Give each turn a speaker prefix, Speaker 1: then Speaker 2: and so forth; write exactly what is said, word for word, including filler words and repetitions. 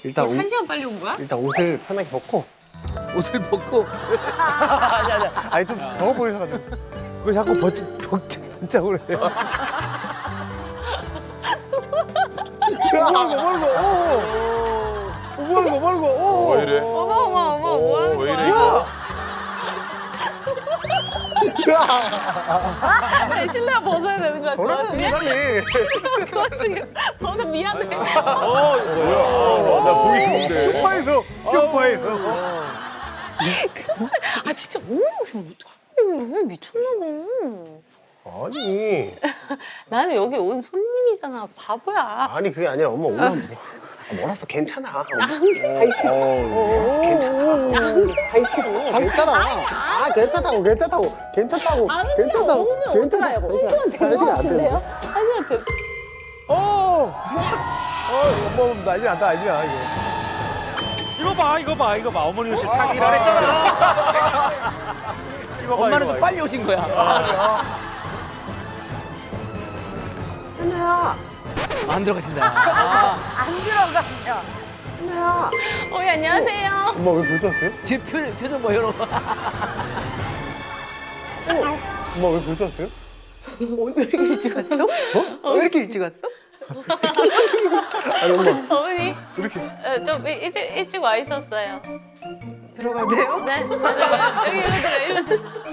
Speaker 1: 일단 옷,
Speaker 2: 한 시간 빨리 온 거야?
Speaker 1: 일단 옷을 편하게 벗고.
Speaker 3: 옷을 벗고
Speaker 1: 아니 아니 아니 좀 더워 보여가지고. 왜 자꾸 벗지 벗자고 그래요? 뭐하는 거 뭐하는 거? 오. 뭐하는 거 뭐하는 거? 오.
Speaker 4: 왜 이래?
Speaker 2: 어머 어머 어머 뭐 하는
Speaker 4: 왜
Speaker 2: 거야?
Speaker 4: 이래 이거?
Speaker 2: 아니, 실내화 벗어야 되는 거야. 그
Speaker 1: 버려야지
Speaker 2: 와중에?
Speaker 1: 빨리.
Speaker 2: 그 와중에 벗어 미안해.
Speaker 4: 뭐야? 나 보기 좋은데.
Speaker 1: 소파에서 소파에서.
Speaker 2: 아 진짜 어머 지금 어떡해 미쳤나 봐.
Speaker 1: 아니
Speaker 2: 나는 여기 온 손님이잖아 바보야.
Speaker 1: 아니 그게 아니라 엄마 오늘 뭐, 아, 몰랐어 괜찮아.
Speaker 2: 안
Speaker 1: 몰랐어 괜찮아. 아이씨 괜찮아. 아 괜찮다고 괜찮다고 괜찮다고 괜찮다고 괜찮다고. 한 시간 안 돼.
Speaker 2: 한 시간 됐.
Speaker 1: 어. 어 엄마 난리 난다 난리 나 이거.
Speaker 5: 이거 봐, 이거 봐, 이거 봐. 어머니 옷이 타기라 했잖아. 이거 봐,
Speaker 3: 엄마는
Speaker 5: 이거
Speaker 3: 좀
Speaker 5: 봐,
Speaker 3: 빨리 오신 거야.
Speaker 2: 현우야.
Speaker 3: 안 들어가신다. 아,
Speaker 2: 안 들어가셔. 현우야. 어이 안녕하세요.
Speaker 1: 엄마 왜 벌써 왔어요?
Speaker 3: 지금 표, 표정 봐, 현우.
Speaker 1: 엄마 왜 벌써 왔어요?
Speaker 2: 왜 이렇게 일찍 왔어? 어? 왜 이렇게 일찍 왔어?
Speaker 1: 아니 엄마
Speaker 2: 어머니
Speaker 1: 이렇게.
Speaker 2: 어, 좀 일- 일찍 일찍 와 있었어요. 들어가도 돼요? 네. 여기 일로 들어 일로 들어.